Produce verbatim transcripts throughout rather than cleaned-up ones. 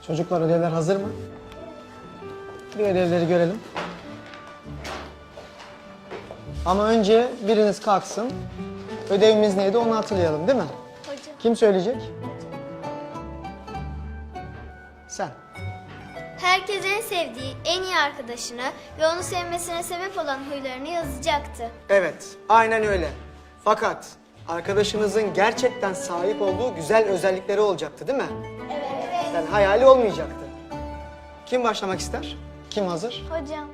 Çocuklar ödevler hazır mı? Bir ödevleri görelim. Ama önce biriniz kalksın. Ödevimiz neydi onu hatırlayalım değil mi? Hocam. Kim söyleyecek? Sen. Herkes en sevdiği, en iyi arkadaşını ve onu sevmesine sebep olan huylarını yazacaktı. Evet, aynen öyle. Fakat arkadaşınızın gerçekten sahip olduğu güzel özellikleri olacaktı değil mi? Evet. Yani hayali olmayacaktı. Kim başlamak ister? Kim hazır? Hocam.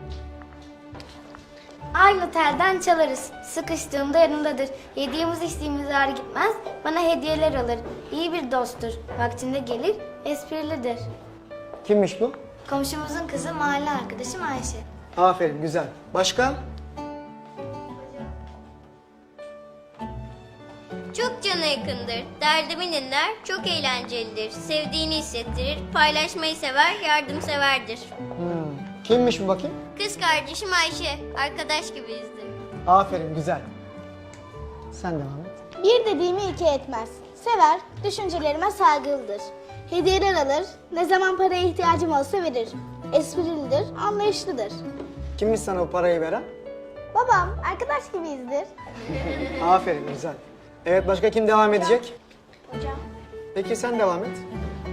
Aynı telden çalarız. Sıkıştığımda yanımdadır. Yediğimiz içtiğimiz ağır gitmez. Bana hediyeler alır. İyi bir dosttur. Vaktinde gelir, esprilidir. Kimmiş bu? Komşumuzun kızı mahalle arkadaşım Ayşe. Aferin, güzel. Başka? Çok cana yakındır, derdimi dinler, çok eğlencelidir, sevdiğini hissettirir, paylaşmayı sever, yardımseverdir. Hmm. Kimmiş bu bakayım? Kız kardeşim Ayşe, arkadaş gibiyizdir. Aferin, güzel. Sen devam et. Bir dediğimi iki etmez. Sever, düşüncelerime saygılıdır. Hediyeler alır, ne zaman paraya ihtiyacım olsa verir. Esprilidir, anlayışlıdır. Kimmiş sana bu parayı veren? Babam, arkadaş gibiyizdir. Aferin, güzel. Evet, başka kim devam edecek? Hocam. Peki sen devam et.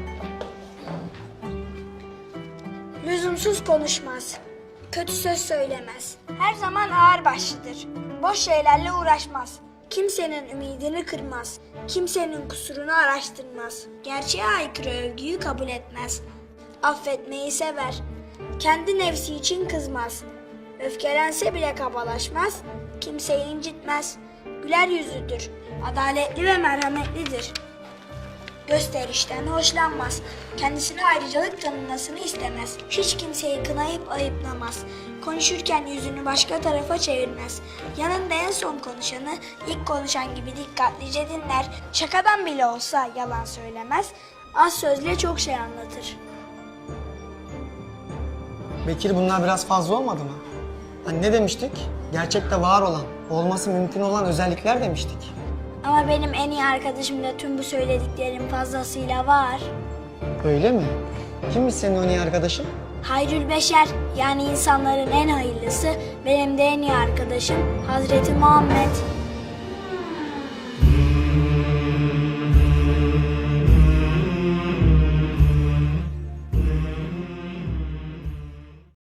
Lüzumsuz konuşmaz. Kötü söz söylemez. Her zaman ağırbaşlıdır. Boş şeylerle uğraşmaz. Kimsenin ümidini kırmaz. Kimsenin kusurunu araştırmaz. Gerçeğe aykırı övgüyü kabul etmez. Affetmeyi sever. Kendi nefsi için kızmaz. Öfkelense bile kabalaşmaz. Kimseyi incitmez. Güler yüzlüdür. Adaletli ve merhametlidir. Gösterişten hoşlanmaz. Kendisine ayrıcalık tanınmasını istemez. Hiç kimseyi kınayıp ayıplamaz. Konuşurken yüzünü başka tarafa çevirmez. Yanında en son konuşanı ilk konuşan gibi dikkatlice dinler. Şakadan bile olsa yalan söylemez. Az sözle çok şey anlatır. Bekir, bunlar biraz fazla olmadı mı? Hani ne demiştik? Gerçekte var olan, olması mümkün olan özellikler demiştik. Ama benim en iyi arkadaşımda tüm bu söylediklerim fazlasıyla var. Öyle mi? Kimmiş senin o iyi arkadaşın? Hayrül Beşer, yani insanların en hayırlısı, benim de en iyi arkadaşım Hazreti Muhammed.